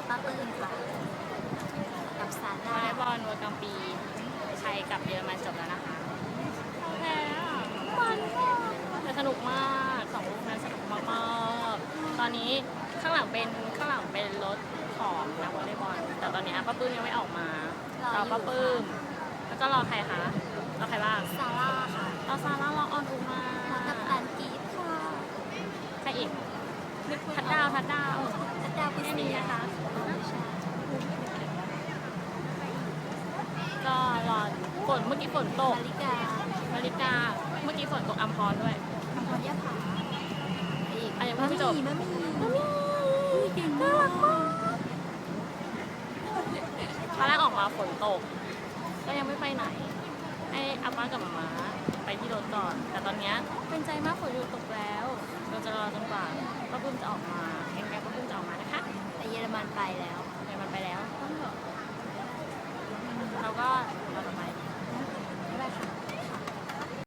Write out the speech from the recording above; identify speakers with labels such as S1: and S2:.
S1: ป้าปื้มค่ะกับซาว
S2: อล
S1: น่า
S2: เลย์บอลเวิร์กลางปีไทยกับเยอรมันจบแล้วนะคะแพ้มันมากแต่สนุกมากสองลูกนั้นสนุกมากๆตอนนี้ข้างหลังเป็นรถของนักวอลเลย์บอลแต่ตอนนี้ป้าปื้มยังไม่ออกมาร
S1: อ
S2: ป้า
S1: อยู่
S2: ปื้มแล้วก็รอใครคะรอใครบ้าง
S1: ซาร่าค่ะ
S2: รอซาร่ารอออนอุมา
S1: แล้วกับตันกีดค่ะ
S2: ใครอีกทัดดาว
S1: ทัดดาวพิ
S2: แค่
S1: เศ
S2: นี้
S1: ษ
S2: นะคะ
S1: ใช่
S2: ก็รอฝนเมื่อกี้ฝนตก
S1: นาฬิกา
S2: นาฬิกาเมื่อกี้ฝนตกอัมพรด้วย
S1: คำพรยะผาอีก
S2: อ่ะยังไม่จบ
S1: มะมี่เก่งมาก
S2: ตอนแรกออกมาฝนตก ก็ยังไม่ไปไหน ให้อาป้ากับหมาม้าไปที่รถก่อน แต่ตอนเนี้ยเป็นใจมากฝนหยุดตกแล้ว เราจะรอจนกว่าป้าปุ้มจะออกมาแกงป้าปุ้มจะออกมานะคะ
S1: แต่เยอรมันไปแล้ว